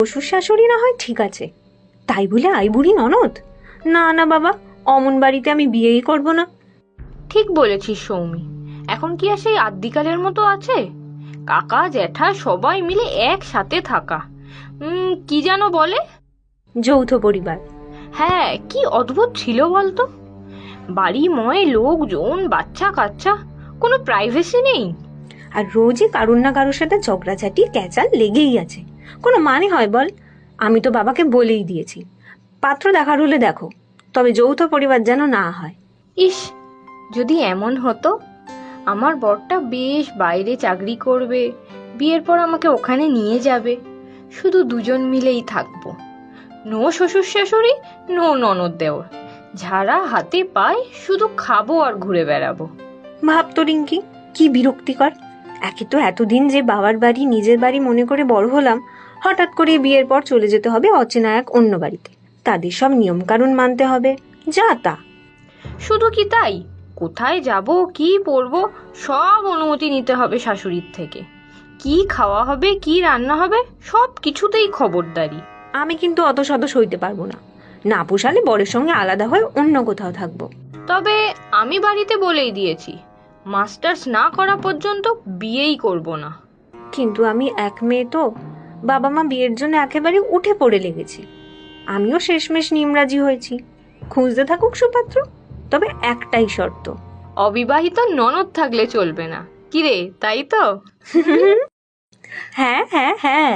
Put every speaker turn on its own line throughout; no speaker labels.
শ্বশুর শাশুড়ি না হয় ঠিক আছে, তাই বলে আইবুড়ি ননদ? না না বাবা, অমন বাড়িতে আমি বিয়েই করব না।
ঠিক বলেছিস সৌমি, এখন কি আর সেই আদ্যিকালের মতো আছে? কাকা জ্যাঠা সবাই মিলে একসাথে থাকা, কি যেন বলে,
যৌথ পরিবার।
হ্যাঁ, কি অদ্ভুত ছিল বলতো। বাড়িময় লোকজন, বাচ্চা কাচ্চা, কোনো প্রাইভেসি নেই।
আর রোজই কারুর না কারোর সাথে ঝগড়াঝাটি ক্যাচাল লেগেই আছে। কোনো মানে হয় বল? আমি তো বাবাকে বলেই দিয়েছি, পাত্র দেখার হলে দেখো, তবে যৌথ পরিবার যেন না হয়।
ইস, যদি এমন হতো, আমার বরটা বেশ বাইরে চাকরি করবে, বিয়ের পর আমাকে ওখানে নিয়ে যাবে, শুধু দুজন মিলেই থাকবো, নো শ্বশুর শাশুড়ি, নো ননদ দেওর, ঝাড়া হাতে পায়, শুধু খাবো আর ঘুরে বেড়াবো।
ভাবতো রিঙ্কি, কি বিরক্তিকর। একে তো এতদিন যে বাবার বাড়ি নিজের বাড়ি মনে করে বড় হলাম, হঠাৎ করে বিয়ের পর চলে যেতে হবে অচেনা এক অন্য বাড়িতে, তাদের সব নিয়ম কানুন মানতে হবে, যা তা।
শুধু কি তাই, কোথায় যাব, কি পরবো, সব অনুমতি নিতে হবে শাশুড়ির থেকে। কি খাওয়া হবে, কি রান্না হবে, সব কিছুতেই খবরদারি।
আমি কিন্তু অত শত সইতে পারবো না, না পোষালে বরের সঙ্গে আলাদা হয়ে অন্য কোথাও থাকবো।
তবে আমি বাড়িতে বলেই দিয়েছি, মাস্টার্স না করা পর্যন্ত বিয়েই করব না।
কিন্তু আমি এক মেয়ে তো, বাবা মা বিয়ের জন্য একেবারে উঠে পড়ে লেগেছি। আমিও শেষমেশ নিমরাজি হয়েছি, খুঁজতে থাকুক সুপাত্র, তবে একটাই শর্ত।
অবিবাহিত ননদ থাকলে চলবে না, কিরে, তাই তো?
হ্যাঁ হ্যাঁ হ্যাঁ।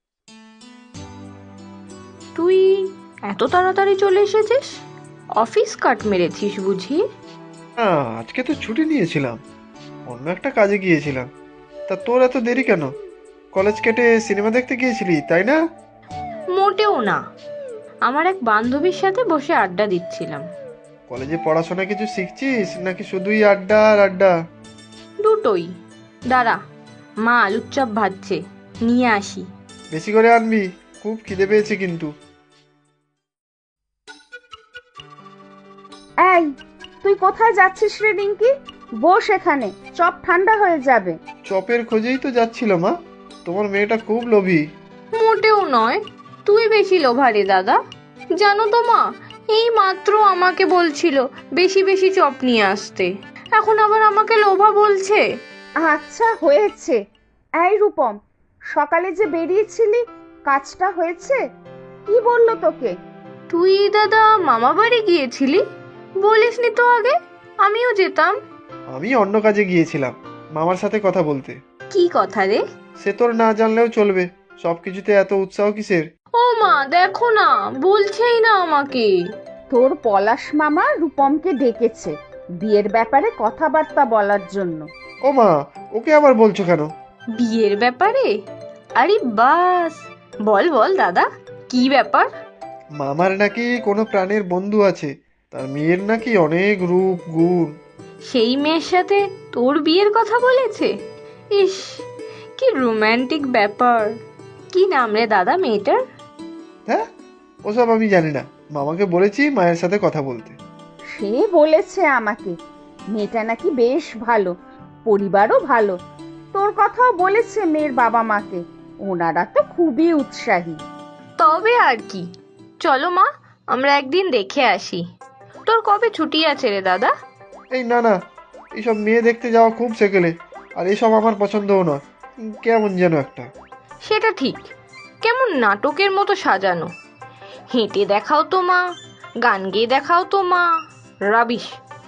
তুই এত তাড়াতাড়ি চলে এসেছিস? অফিস কাট মেরেছিস বুঝি?
না, আজকে তো ছুটি নিয়েছিলাম, অন্য একটা কাজে গিয়েছিলাম। তা তোর এত দেরি কেন? কলেজ কেটে সিনেমা দেখতে গিয়েছিলি তাই না?
মোটেও না, আমার এক বান্ধবীর সাথে বসে আড্ডা দিচ্ছিলাম।
কলেজে পড়াশোনা কিছু শিখছিস নাকি শুধুই আড্ডা আর আড্ডা?
দুটোই। দাঁড়া, মা আলুর চপ ভাজছে, নিয়ে আসি।
বেশি করে আনবি, খুব খিদে পেয়েছে কিন্তু।
এই, তুই কোথায় যাচ্ছিস রে রিঙ্কি? বস এখানে, চপ ঠান্ডা হয়ে যাবে।
চপের খোঁজেই তো যাচ্ছিল মা, তোমার মেয়েটা খুব লোভী।
মোটেও নয়, তুই বেশি লোভারে দাদা। জানো তো মা, এই মাত্র আমাকে বলছিল বেশি বেশি চপ নিয়ে আসতে, এখন আবার আমাকে লোভা বলছে।
আচ্ছা হয়েছে। এই রূপম, সকালে যে বেরিয়েছিলি, কাজটা হয়েছে? কি বললো তোকে?
তুই দাদা মামা বাড়ি গিয়েছিলি, বলিসনি তো আগে, আমিও যেতাম।
আমি অন্য কাজে গিয়েছিলাম, মামার সাথে কথা বলতে।
কি কথা রে?
সে তোর না জানলেও চলবে, সবকিছুতে এত উৎসাহ কিসের?
ও মা, দেখো না, বলছেই না আমাকে।
তোর পলাশ মামা রূপমকে ডেকেছে বিয়ের ব্যাপারে কথাবার্তা বলার জন্য।
ও মা, ওকে আবার বলছো কেন?
বিয়ের ব্যাপারে? আরে বাস, বল বল দাদা, কি ব্যাপার?
মামার নাকি কোনো প্রাণের বন্ধু আছে, তার মেয়ের নাকি অনেক রূপ গুণ।
সেই মেয়ের সাথে তোর বিয়ের কথা বলেছে? ইস, কি রোমান্টিক ব্যাপার। কি নাম রে দাদা মেয়েটার?
হ্যাঁ, ওসব আমি জানি না, মামাকে বলেছি মায়ের সাথে কথা বলতে।
সে বলেছে আমাকে, মেয়েটা নাকি বেশ ভালো, পরিবারও ভালো। তোর কথাও বলেছে মেয়ের বাবা মাকে, ওনারা তো খুবই উৎসাহী।
তবে আর কি, চলো মা, আমরা একদিন দেখে আসি। তোর কবে ছুটি আছে রে দাদা?
এই না না, এইসব মেয়ে দেখতে যাওয়া খুব সেকেলে, আর এসব আমার পছন্দও নয়, কেমন যেন একটা।
সেটা ঠিক, কেমন নাটকের মতো সাজানো। হেঁটে দেখাও তো মা, গান গেয়ে দেখাও তো মা, রাবিশ।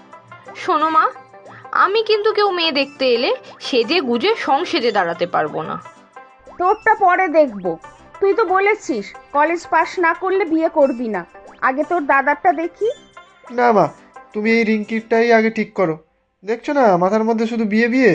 শোনো মা, আমি কিন্তু কেউ মেয়ে দেখতে এলে সেজে গুজে সেজে দাঁড়াতে পারবো না।
তোরটা পরে দেখবো। তুই তো বলেছিস কলেজ পাশ না করলে বিয়ে করবি না। আগে তোর দাদারটা দেখি।
না মা, তুমি এই রিঙ্কিরটাই আগে ঠিক করো, দেখছো না মাথার মধ্যে শুধু বিয়ে বিয়ে।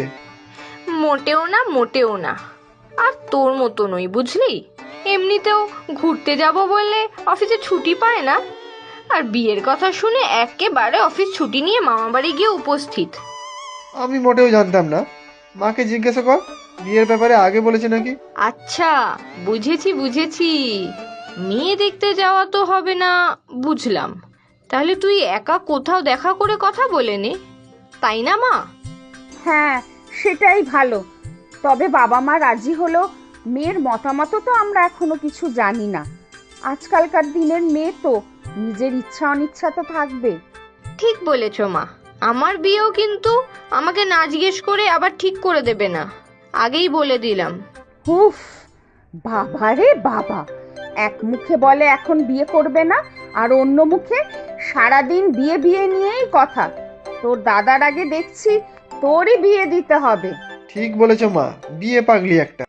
মোটেও না, মোটেও না। আর তোর মতো নই বুঝলি, এমনিতেও ঘুরতে যাব বললে অফিসে ছুটি পায় না, আর বিয়ের কথা শুনে একেবারে অফিস ছুটি নিয়ে মামা বাড়ি গিয়ে উপস্থিত।
আমি মোটেও জানতাম না, মাকে জিজ্ঞাসা কর, বিয়ের ব্যাপারে আগে বলেছে নাকি।
আচ্ছা, বুঝেছি বুঝেছি, মেয়ে দেখতে যাওয়া তো হবে না, বুঝলাম। তাহলে তুই একা কোথাও দেখা করে কথা বলে নে, তাই না মা?
হ্যাঁ, সেটাই ভালো। তবে বাবা মা রাজি হলো মেয়ের মতামত তো আমরা এখনো কিছু জানি না। আজকালকার দিনের মেয়ে তো নিজের ইচ্ছা অনিচ্ছা তো থাকবে।
ঠিক বলেছ মা, আমার বিয়েও কিন্তু আমাকে না জিজ্ঞেস করে আবার ঠিক করে দেবে না, আগেই বলে দিলাম।
হুফ, বাবা রে বাবা, এক মুখে বলে এখন বিয়ে করবে না, আর অন্য মুখে সারাদিন বিয়ে বিয়ে নিয়েই কথা। তোর দাদার আগে দেখছি তোরই বিয়ে দিতে হবে।
ঠিক বলেছ মা, বিয়ে পাগলি একটা।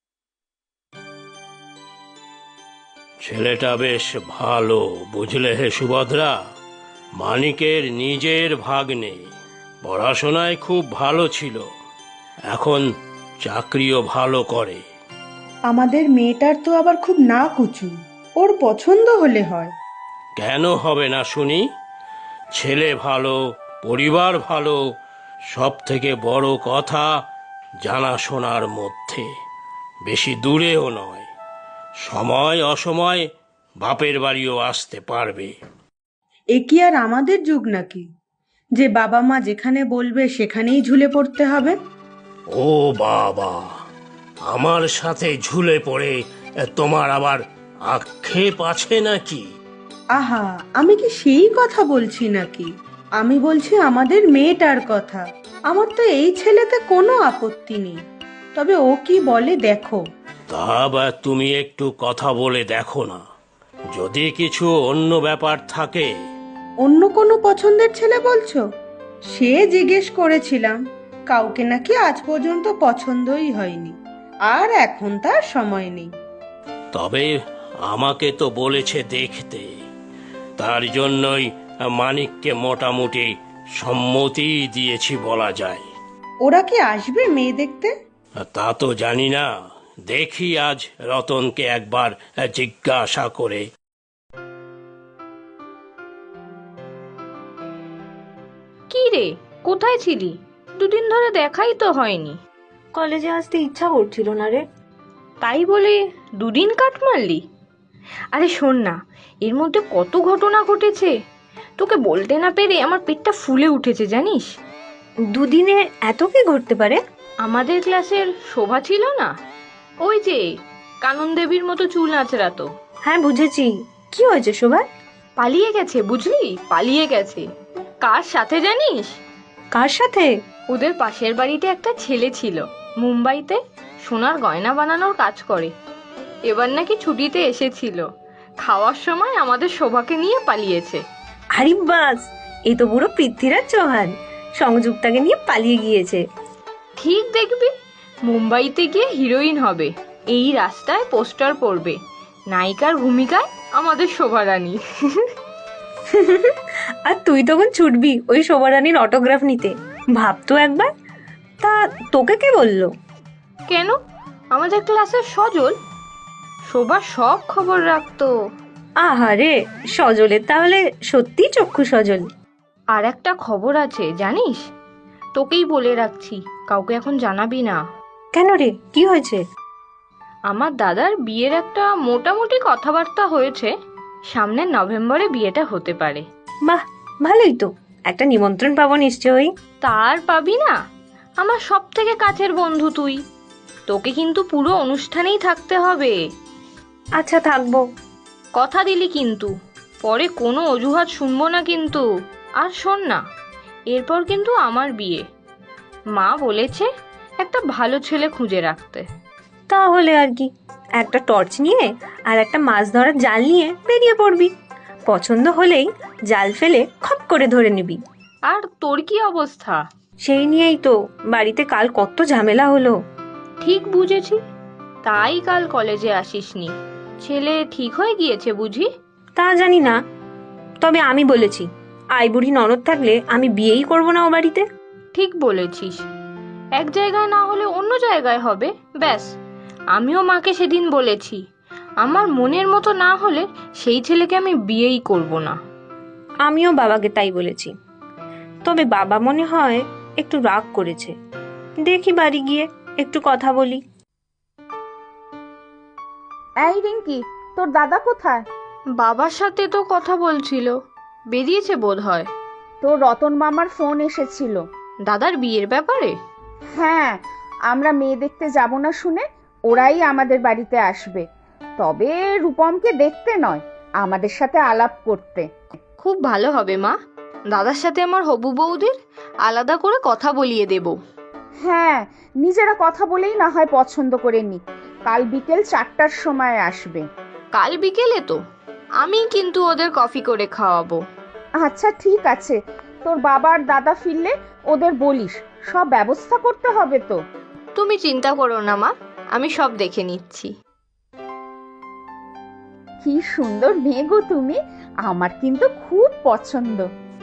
ছেলেটা বেশ ভালো, বুঝলে হে সুভদ্রা। মানিকের নিজের ভাগ্নে, পড়াশোনায় খুব ভালো ছিল, এখন চাকরিও ভালো করে।
আমাদের মেয়েটার তো আবার খুব না কুচু, ওর পছন্দ হলে হয়।
কেন হবে না শুনি? ছেলে ভালো, পরিবার ভালো, সব থেকে বড় কথা জানাশোনার মধ্যে, বেশি দূরেও নয়, সময় অসময় বাপের বাড়িও আসতে পারবে।
এ কি আর আমাদের যুগ নাকি, যে বাবা মা যেখানে বলবে সেখানেই ঝুলে পড়তে হবে?
ও বাবা, আমার সাথে ঝুলে পড়ে তোমার আবার আক্ষেপ আছে নাকি?
আহা, আমি কি সেই কথা বলছি নাকি, আমি বলছি আমাদের মেয়েটার কথা। আমার তো এই ছেলেতে কোনো আপত্তি নেই, তবে ও কি বলে দেখো।
তা বা তুমি একটু কথা বলে দেখো না, যদি কিছু অন্য ব্যাপার থাকে।
অন্য কোনো পছন্দের ছেলে বলছো? সে জিজ্ঞেস করেছিলাম, কাউকে নাকি আজ পর্যন্ত পছন্দই হয়নি, আর এখন তার সময় নেই।
তবে আমাকে তো বলেছে দেখতে, তার জন্যই মানিককে মোটামুটি সম্মতি দিয়েছি বলা যায়।
ওরা কি আসবে মেয়ে দেখতে?
তা তো জানি না, দেখি আজ রতনকে একবার জিজ্ঞাসা করে।
কি রে, কোথায় ছিলি? দুদিন ধরে দেখাই তো হয়নি।
কলেজে আসতে ইচ্ছা করছিল না রে।
তাই বলে দুদিন কাট মারলি? আরে শোন না, এর মধ্যে কত ঘটনা ঘটেছে, তোকে বলতে না পেরে আমার পেটটা ফুলে উঠেছে জানিস।
দুদিনে এত কি ঘটতে পারে?
আমাদের ক্লাসের শোভা ছিল না, ওই যে কানন দেবীর মতো চুল আঁচড়াতো,
হ্যাঁ বুঝেছি, কি হয়েছে শোভা?
পালিয়ে গেছে বুঝলি, পালিয়ে গেছে। কার সাথে জানিস?
কার সাথে?
ওদের পাশের বাড়িতে একটা ছেলে ছিল, মুম্বাইতে সোনার গয়না বানানোর কাজ করে। এবার নাকি ছুটিতে এসেছিল, খাওয়ার সময় আমাদের শোভাকে নিয়ে পালিয়েছে।
আরে বাস, এ তো পুরো পৃথ্বীরাজ চৌহান, সংযুক্তাকে নিয়ে পালিয়ে গিয়েছে।
ঠিক দেখবি, মুম্বাইতে গিয়ে হিরোইন হবে, এই রাস্তায় পোস্টার পড়বে, নায়িকার ভূমিকায় আমাদের শোভা রানী।
আর তুই তখন ছুটবি ওই শোভা রানীর অটোগ্রাফ নিতে, ভাবতো একবার। তা তোকে কে বললো?
কেন, আমাদের ক্লাসের সজল, শোভা সব খবর রাখতো।
আহারে, সজলের তাহলে সত্যি চক্ষু সজল।
আর একটা খবর আছে জানিস, তোকেই বলে রাখছি, কাউকে এখন জানাবি না।
কেন রে, কি হয়েছে?
আমার দাদার বিয়ের একটা মোটামুটি কথাবার্তা হয়েছে, সামনের নভেম্বরে বিয়েটা হতে পারে।
বাহ, ভালোই তো, একটা নিমন্ত্রণ পাবো নিশ্চয়ই।
তার পাবি না, আমার সব থেকে কাছের বন্ধু তুই, তোকে কিন্তু পুরো অনুষ্ঠানেই থাকতে হবে।
আচ্ছা থাকবো।
কথা দিলি কিন্তু, পরে কোনো অজুহাত শুনবো না কিন্তু। আর শোন না, এরপর কিন্তু আমার বিয়ে, মা বলেছে একটা ভালো ছেলে খুঁজে রাখতে।
তাহলে আর কি, একটা টর্চ নিয়ে আর একটা মাছ ধরার জাল নিয়ে বেরিয়ে পড়বি, পছন্দ হলেই জাল ফেলে খপ করে ধরে নিবি।
আর তোর কি অবস্থা?
সেই নিয়েই তো বাড়িতে কাল কত ঝামেলা হলো।
ঠিক বুঝেছি, তাই কাল কলেজে আসিসনি। ছেলে ঠিক হয়ে গিয়েছে বুঝি?
তা জানি না, তবে আমি বলেছি আই বুড়ি ননদ থাকলে আমি বিয়েই করবো না ও বাড়িতে।
ঠিক বলেছিস, এক জায়গায় না হলে অন্য জায়গায় হবে, ব্যাস। আমিও মাকে সেদিন বলেছি, আমার মনের মতো না হলে সেই ছেলেকে আমি বিয়েই করব না।
আমিও বাবাকে তাই বলেছি, তবে বাবা মনে হয় একটু রাগ করেছে। দেখি বাড়ি গিয়ে একটু কথা বলি।
এই রিঙ্কি, তোর দাদা কোথায়?
বাবার সাথে তো কথা বলছিল, বেরিয়েছে বোধ হয়।
তোর রতন মামার ফোন এসেছিল।
দাদার বিয়ের ব্যাপারে?
হ্যাঁ, আমরা মেয়ে দেখতে যাব না শুনে ওরাই আমাদের বাড়িতে আসবে, তবে রূপমকে দেখতে নয়, আমাদের সাথে আলাপ করতে।
খুব ভালো হবে মা, দাদার সাথে আমার হবু বৌদির আলাদা করে কথা বলিয়ে দেব।
হ্যাঁ, নিজেরা কথা বলেই না হয় পছন্দ করে নি। কাল বিকেল 4টার সময় আসবে।
কাল বিকেলে তো আমি কিন্তু ওদের কফি করে খাওয়াবো।
আচ্ছা ঠিক আছে, তোর বাবা আর দাদা ফিরলে ওদের বলিস, সব ব্যবস্থা করতে হবে তো।
তুমি চিন্তা করো না মা, আমি সব দেখে নিচ্ছি।
কি সুন্দর মেয়ে গো তুমি, আমার কিন্তু খুব পছন্দ।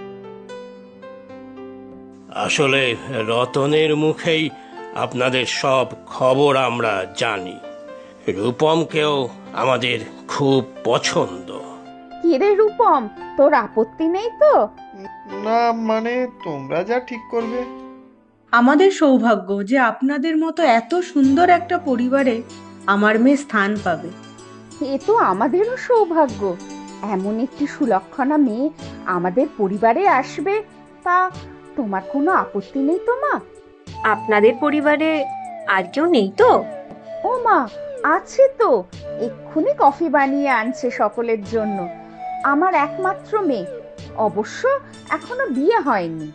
আসলে রতনের মুখেই আপনাদের সব খবর আমরা জানি। রূপমকেও আমাদের খুব পছন্দ।
কিরে রূপম, তোর আপত্তি নেই তো?
না মানে তোমরা যা ঠিক করবে।
আমাদের সৌভাগ্য যে আপনাদের মতো এত সুন্দর একটা পরিবারে আমার মেয়ে স্থান পাবে।
এ তো আমাদেরও সৌভাগ্য, এমন একটি সুলক্ষণা মেয়ে আমাদের পরিবারে আসবে। তা তোমার কোনো আপত্তি নেই তো মা?
আপনাদের পরিবারে আর কেউ নেই তো?
ও মা, আছে তো, এক্ষুনি কফি বানিয়ে আনছে সকলের জন্য। আমার একমাত্র মেয়ে, অবশ্য এখনো বিয়ে হয়নি।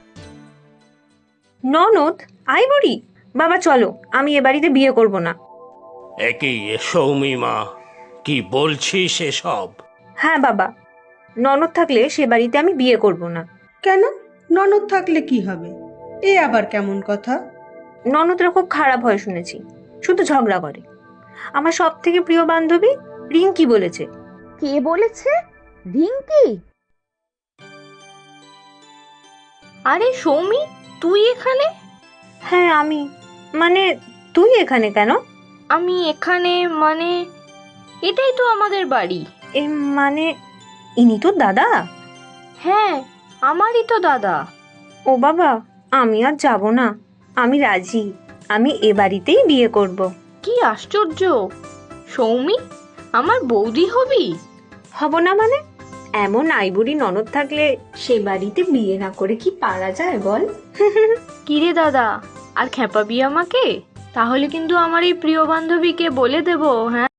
ননদ? আইবুড়ি? বাবা চলো, আমি এ বাড়িতে বিয়ে করব না।
একই সৌমি মা, কি বলছিস এসব?
হ্যাঁ বাবা, ননদ থাকলে সে বাড়িতে আমি বিয়ে করব না।
কেন? ননদ থাকলে কি হবে? এ আবার কেমন কথা?
ননদরা খুব খারাপ হয় শুনেছি, শুধু ঝগড়া করে। আমার সব থেকে প্রিয় বান্ধবী রিঙ্কি বলেছে।
কে বলেছে? রিঙ্কি?
আরে সৌমি, তুই এখানে?
হ্যাঁ আমি। মানে তুই এখানে কেন?
আমি এখানে মানে এটাই তো আমাদের বাড়ি।
এ মানে ইনি তো দাদা?
হ্যাঁ, আমারই তো দাদা।
ও বাবা, আমি আর যাব না, আমি রাজি, আমি এ বাড়িতেই বিয়ে করব।
কি আশ্চর্য! সৌমি, আমার বৌদি হবি?
হব না মানে? এমন আইবুড়ি ননদ থাকলে সে বাড়িতে বিয়ে না করে কি পারা যায় বল?
কিরে দাদা, আর খেপাবি আমাকে? তাহলে কিন্তু আমার এই প্রিয় বান্ধবীকে বলে দেবো, হ্যাঁ?